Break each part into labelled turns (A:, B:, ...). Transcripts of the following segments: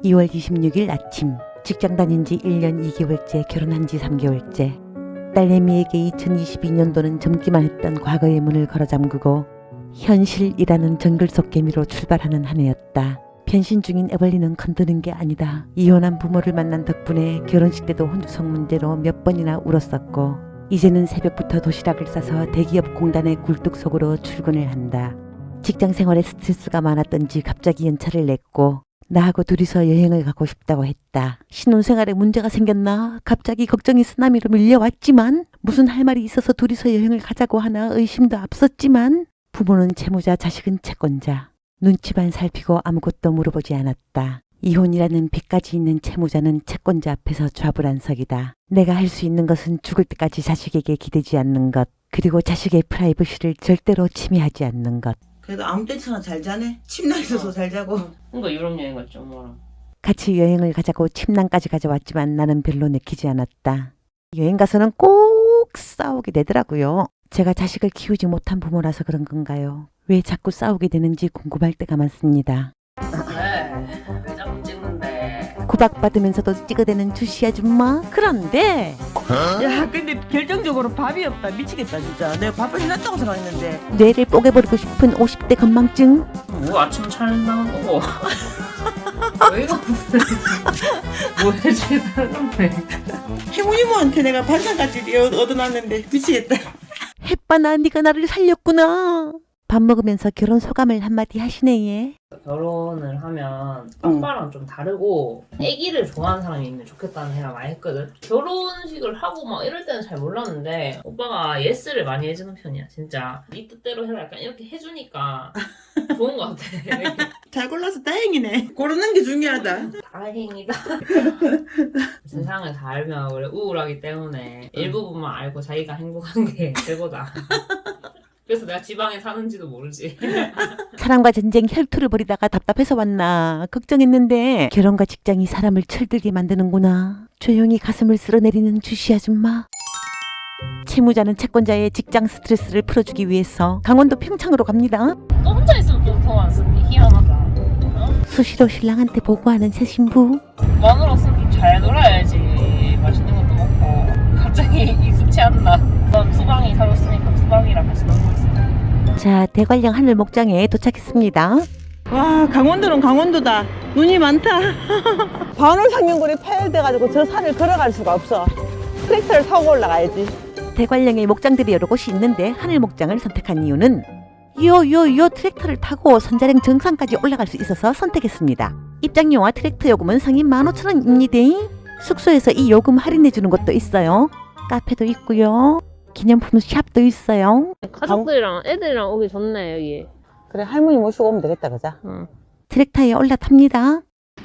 A: 2월 26일 아침, 직장 다닌 지 1년 2개월째, 결혼한 지 3개월째. 딸내미에게 2022년도는 젊기만 했던 과거의 문을 걸어 잠그고 현실이라는 정글 속 개미로 출발하는 한 해였다. 변신 중인 에벌리는 건드는 게 아니다. 이혼한 부모를 만난 덕분에 결혼식 때도 혼주성 문제로 몇 번이나 울었었고, 이제는 새벽부터 도시락을 싸서 대기업 공단의 굴뚝 속으로 출근을 한다. 직장 생활에 스트레스가 많았던지 갑자기 연차를 냈고 나하고 둘이서 여행을 가고 싶다고 했다. 신혼생활에 문제가 생겼나? 갑자기 걱정이 쓰나미로 밀려왔지만, 무슨 할 말이 있어서 둘이서 여행을 가자고 하나 의심도 앞섰지만, 부모는 채무자, 자식은 채권자. 눈치만 살피고 아무것도 물어보지 않았다. 이혼이라는 빚까지 있는 채무자는 채권자 앞에서 좌불안석이다. 내가 할 수 있는 것은 죽을 때까지 자식에게 기대지 않는 것, 그리고 자식의 프라이버시를 절대로 침해하지 않는 것.
B: 그래도 아무 때나 잘 자네. 침낭에서도 잘 자고.
C: 그러니까 유럽 여행 갔죠, 엄마랑.
A: 같이 여행을 가자고 침낭까지 가져왔지만 나는 별로 내키지 않았다. 여행 가서는 꼭 싸우게 되더라고요. 제가 자식을 키우지 못한 부모라서 그런 건가요? 왜 자꾸 싸우게 되는지 궁금할 때가 많습니다.
C: 왜 자꾸 찍는데?
A: 구박받으면서도 찍어대는 주시 아줌마. 그런데
B: 야, 근데 결정적으로 밥이 없다. 미치겠다, 진짜. 내가 밥을 해놨다고 생각했는데.
A: 뇌를 뽀개버리고 싶은 50대 건망증.
C: 뭐 아침 잘 나온 거고. 왜 이거 뭐 해주는데?
B: 해모이모한테 내가 반찬까지 얻어놨는데 미치겠다.
A: 햇바나 네가 나를 살렸구나. 밥 먹으면서 결혼 소감을 한마디 하시네. 얘.
C: 결혼을 하면 오빠랑 좀 다르고 애기를 좋아하는 사람이 있으면 좋겠다는 생각 많이 했거든. 결혼식을 하고 막 이럴 때는 잘 몰랐는데 오빠가 예스를 많이 해주는 편이야. 진짜 네 뜻대로 해라 약간 이렇게 해주니까 좋은 것 같아.
B: 잘 골라서 다행이네. 고르는 게 중요하다.
C: 다행이다. 세상을 다 알면 원래 우울하기 때문에 일부분만 알고 자기가 행복한 게 최고다. 그래서 내가 지방에 사는지도 모르지.
A: 사랑과 전쟁 혈투를 벌이다가 답답해서 왔나 걱정했는데, 결혼과 직장이 사람을 철들게 만드는구나. 조용히 가슴을 쓸어내리는 주시 아줌마. 채무자는 채권자의 직장 스트레스를 풀어주기 위해서 강원도 평창으로 갑니다.
C: 또 혼자 있으면 또 더 안 쓰니 희한하다. 어?
A: 수시로 신랑한테 보고하는 새 신부.
C: 마누라 없으면 좀 잘 놀아야지. 맛있는 것도 먹고. 갑자기 익숙치 않나. 넌 수방이 사줬으니까 수방이랑 같이 놀고 있어.
A: 자, 대관령 하늘 목장에 도착했습니다.
B: 와, 강원도는 강원도다. 눈이 많다. 반월상연골이 파열돼가지고 저 산을 걸어갈 수가 없어. 트랙터를 타고 올라가야지.
A: 대관령에 목장들이 여러 곳이 있는데 하늘 목장을 선택한 이유는 요 트랙터를 타고 선자령 정상까지 올라갈 수 있어서 선택했습니다. 입장료와 트랙터 요금은 상인 15,000원입니다. 숙소에서 이 요금 할인해주는 곳도 있어요. 카페도 있고요. 기념품 샵도 있어요.
C: 가족들이랑 애들이랑 오기 좋네 여기.
B: 그래, 할머니 모시고 오면 되겠다, 그자?
C: 응.
A: 트랙터에 올라탑니다.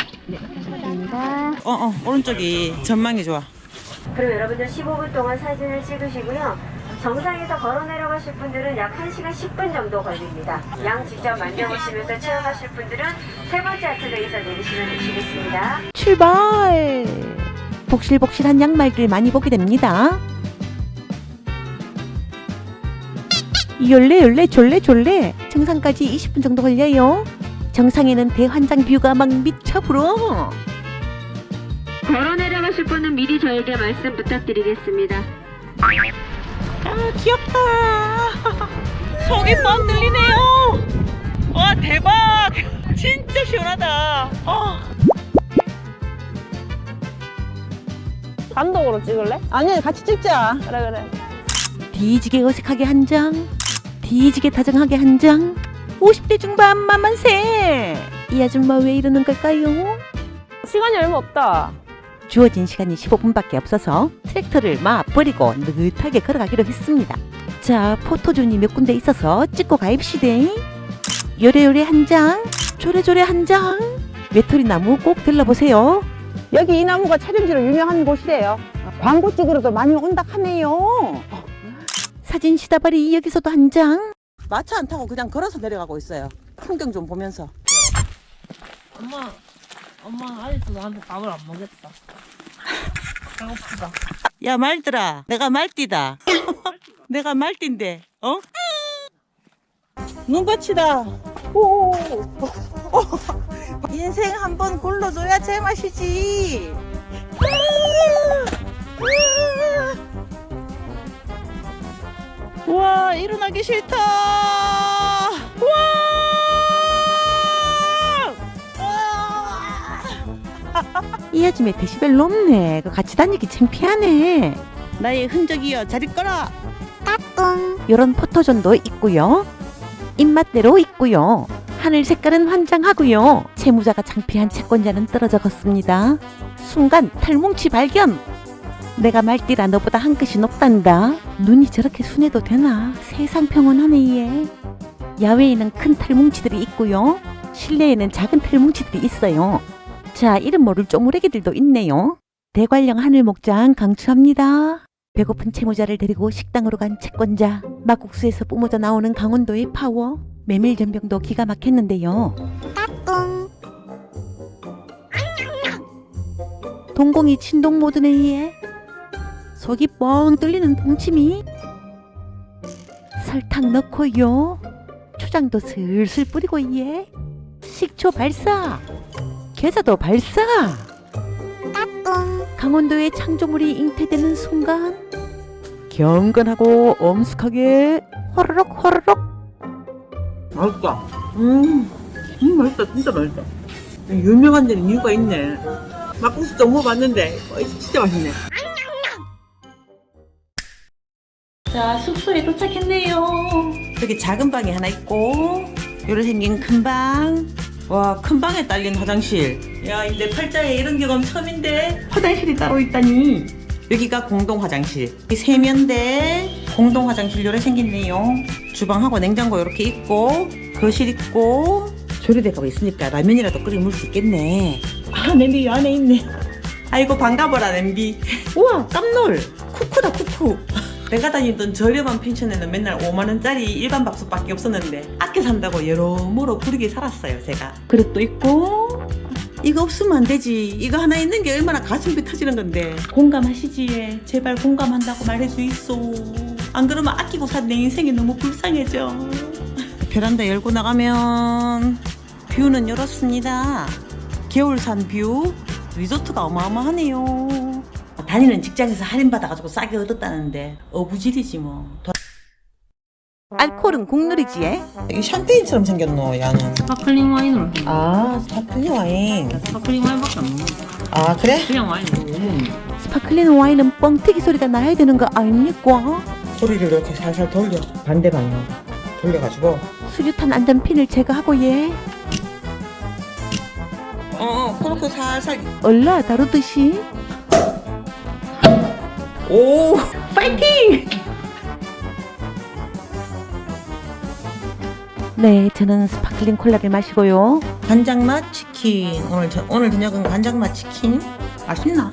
B: 오른쪽이 전망이 좋아.
D: 그럼 여러분들 15분 동안 사진을 찍으시고요. 정상에서 걸어 내려가실 분들은 약 1시간 10분 정도 걸립니다. 양 직접 만져보시면서 체험하실 분들은 세 번째 아트베이에서 내리시면 되시겠습니다.
A: 출발! 복실복실한 양말들 많이 보게 됩니다. 열래 졸래 정상까지 20분 정도 걸려요. 정상에는 대환장 뷰가 막 미쳐 불어.
D: 걸어 내려가실 분은 미리 저에게 말씀 부탁드리겠습니다.
B: 아, 귀엽다. 속이 뻥 뚫리네요. 와, 대박. 진짜 시원하다.
C: 단독으로 찍을래?
B: 아니, 같이 찍자.
C: 그래.
A: 뒤지게 어색하게 한 장, 뒤지게 다정하게 한 장. 50대 중반 만만세. 이 아줌마 왜 이러는 걸까요?
C: 시간이 얼마 없다.
A: 주어진 시간이 15분밖에 없어서 트랙터를 막 버리고 느긋하게 걸어가기로 했습니다. 자, 포토존이 몇 군데 있어서 찍고 가입시다. 요래요래 한 장, 조래조래 한 장. 외톨이 나무 꼭 들러보세요.
B: 여기 이 나무가 촬영지로 유명한 곳이래요. 광고 찍으러도 많이 온다 하네요.
A: 사진 시다발이 여기서도 한 장.
B: 마차 안 타고 그냥 걸어서 내려가고 있어요. 풍경 좀 보면서.
C: 엄마 아직도 나한테 밥을 안 먹였다. 배고프다.
B: 야, 말들아, 내가 말띠다. 내가 말띠인데, 어? 눈밭이다. 오, 인생 한번 굴러줘야 제맛이지. 와, 일어나기 싫다. 와!
A: 이 아줌마 데시벨 높네. 그 같이 다니기 창피하네.
B: 나의 흔적이여 자리 꺼라.
A: 요런 포토존도 있고요. 입맛대로 있고요. 하늘 색깔은 환장하고요. 채무자가 창피한 채권자는 떨어져 걷습니다. 순간 털뭉치 발견. 내가 말띠라 너보다 한 끗이 높단다. 눈이 저렇게 순해도 되나? 세상 평온하네 얘. 야외에는 큰 털뭉치들이 있고요. 실내에는 작은 털뭉치들이 있어요. 자, 이름 모를 쪼무레기들도 있네요. 대관령 하늘목장 강추합니다. 배고픈 채무자를 데리고 식당으로 간 채권자. 막국수에서 뿜어져 나오는 강원도의 파워. 메밀전병도 기가 막혔는데요. 동공이 진동 모드네 얘. 속이 뻥 뚫리는 동치미. 설탕 넣고요. 초장도 슬슬 뿌리고 얘. 식초 발사. 게자도 발사. 강원도의 창조물이 잉태되는 순간 경건하고 엄숙하게 호로록 호로록.
B: 맛있다. 맛있다. 진짜 맛있다. 유명한 데는 이유가 있네. 막국수도 먹어봤는데 진짜 맛있네.
A: 자, 숙소에 도착했네요. 여기 작은 방이 하나 있고 요래 생긴 큰 방.
B: 와, 큰 방에 딸린 화장실. 야, 내 팔자에 이런 경험 처음인데. 화장실이 따로 있다니. 여기가 공동 화장실. 이 세면대, 공동 화장실 요래 생겼네요. 주방하고 냉장고 이렇게 있고, 거실 있고, 조리대가 있으니까 라면이라도 끓여 먹을 수 있겠네. 아, 냄비 이 안에 있네. 아이고, 반가워라, 냄비. 우와, 깜놀. 쿠쿠다, 쿠쿠. 내가 다니던 저렴한 펜션에는 맨날 5만원짜리 일반 밥솥밖에 없었는데 아껴 산다고 여러모로 부르게 살았어요 제가. 그릇도 있고. 이거 없으면 안 되지. 이거 하나 있는 게 얼마나 가슴이 터지는 건데. 공감하시지. 제발 공감한다고 말해주이소. 안 그러면 아끼고 산 내 인생이 너무 불쌍해져. 베란다 열고 나가면 뷰는 이렇습니다. 겨울산 뷰. 리조트가 어마어마하네요. 다니는 직장에서 할인받아가지고 싸게 얻었다는데 어부질이지 뭐.
A: 알코올은 국룰이지.
B: 이게 샴페인처럼 생겼노 야는.
C: 스파클링 와인으로.
B: 아, 스파클링 와인.
C: 스파클링 와인밖에 안 먹어.
B: 아, 그래?
C: 그냥 와인 못 먹는.
A: 스파클링 와인은 뻥튀기 소리가 나야 되는 거 아닙니까?
B: 소리를 이렇게 살살 돌려. 반대 방향 돌려가지고.
A: 수류탄 안전핀을 제거하고 얘.
B: 그렇게 살살.
A: 얼라 다루듯이.
B: 오,
A: 파이팅! 네, 저는 스파클링 콜라를 마시고요.
B: 간장맛 치킨. 오늘 저녁은 간장맛 치킨. 맛있나?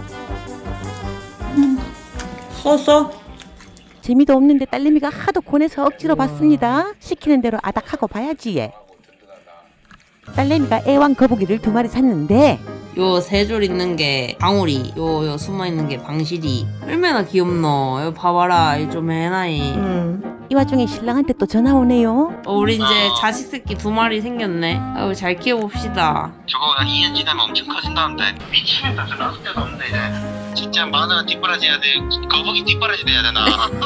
B: 쏘.
A: 재미도 없는데 딸내미가 하도 권해서 억지로 봤습니다. 시키는 대로 아닥하고 봐야지 얘. 딸내미가 애완 거북이를 2마리 샀는데
C: 요 세 줄 있는 게 방울이, 요 숨어 있는 게 방실이. 얼마나 귀엽노. 요 봐봐라, 이 좀 해나이.
A: 이 와중에 신랑한테 또 전화 오네요.
C: 우리 이제 자식 새끼 2마리 생겼네. 아유, 잘 키워봅시다.
E: 저거 한 2년 지나면 엄청 커진다는데 미치겠다. 저 나올 데도 없네 이제. 진짜 마누라 뒷바라지 해야 돼. 거북이 뒷바라지 돼야 되나.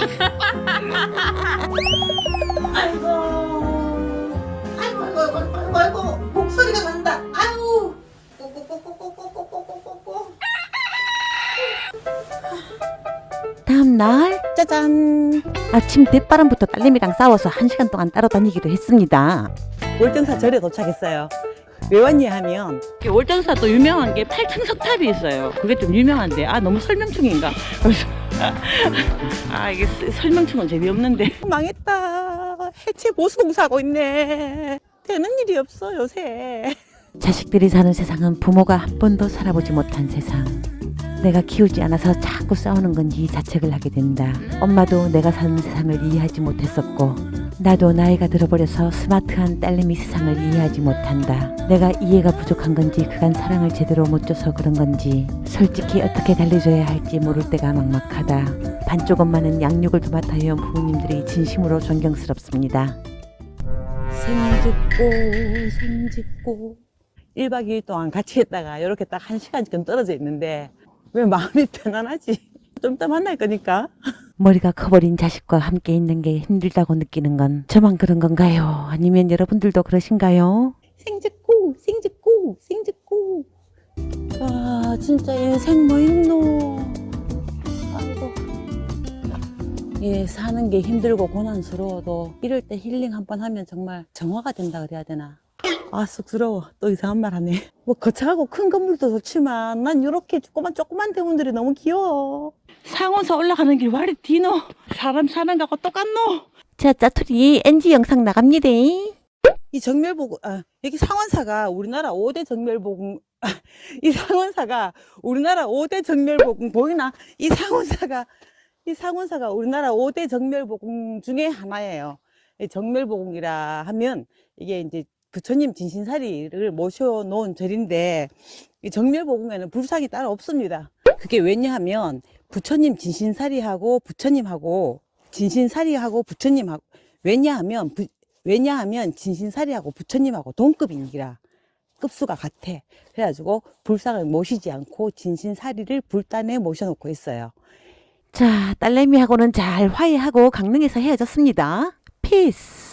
B: 아이고, 목소리가 난다. 아유.
A: 다음날
B: 짜잔.
A: 아침 대바람부터 딸내미랑 싸워서 1시간 동안 따로 다니기로 했습니다.
B: 월등사 절에 도착했어요. 왜 왔냐 하면 월등사 또 유명한 게 팔창석탑이 있어요. 그게 좀 유명한데 너무 설명충인가? 그래서 이게 설명충은 재미없는데. 망했다. 해체 보수공사하고 있네. 되는 일이 없어 요새.
A: 자식들이 사는 세상은 부모가 한 번도 살아보지 못한 세상. 내가 키우지 않아서 자꾸 싸우는 건지 자책을 하게 된다. 엄마도 내가 사는 세상을 이해하지 못했었고 나도 나이가 들어버려서 스마트한 딸내미 세상을 이해하지 못한다. 내가 이해가 부족한 건지 그간 사랑을 제대로 못 줘서 그런 건지 솔직히 어떻게 달래줘야 할지 모를 때가 막막하다. 반쪽 엄마는 양육을 도맡아 해온 부모님들이 진심으로 존경스럽습니다. 생짓고
F: 1박 2일 동안 같이 했다가 이렇게 딱 1시간쯤 떨어져 있는데 왜 마음이 편안하지? 좀 이따 만날 거니까.
A: 머리가 커버린 자식과 함께 있는 게 힘들다고 느끼는 건 저만 그런 건가요? 아니면 여러분들도 그러신가요?
F: 생짓고 생짓고 생짓고. 와 진짜 인생 뭐 있노. 아이고. 예, 사는 게 힘들고 고난스러워도 이럴 때 힐링 한번 하면 정말 정화가 된다 그래야 되나. 아 쑥스러워. 또 이상한 말 하네. 뭐 거창하고 큰 건물도 좋지만 난 이렇게 조그만 대문들이 너무 귀여워. 상원사 올라가는 길 와리 디노. 사람 사는 거하고 똑같노.
A: 자, 짜투리 NG 영상 나갑니다.
F: 이 정멸보고 여기 상원사가 우리나라 5대 정멸보궁 이 상원사가 우리나라 5대 정멸보궁 보이나? 이 상원사가 우리나라 5대 정멸보궁 중에 하나예요. 이 정멸보궁이라 하면 이게 이제 부처님 진신사리를 모셔놓은 절인데 이 정멸보궁에는 불상이 따로 없습니다. 그게 왜냐하면 부처님 진신사리하고 부처님하고 진신사리하고 부처님하고 왜냐하면 진신사리하고 부처님하고 동급이니라 급수가 같아. 그래가지고 불상을 모시지 않고 진신사리를 불단에 모셔놓고 있어요.
A: 자, 딸내미하고는 잘 화해하고 강릉에서 헤어졌습니다. 피스.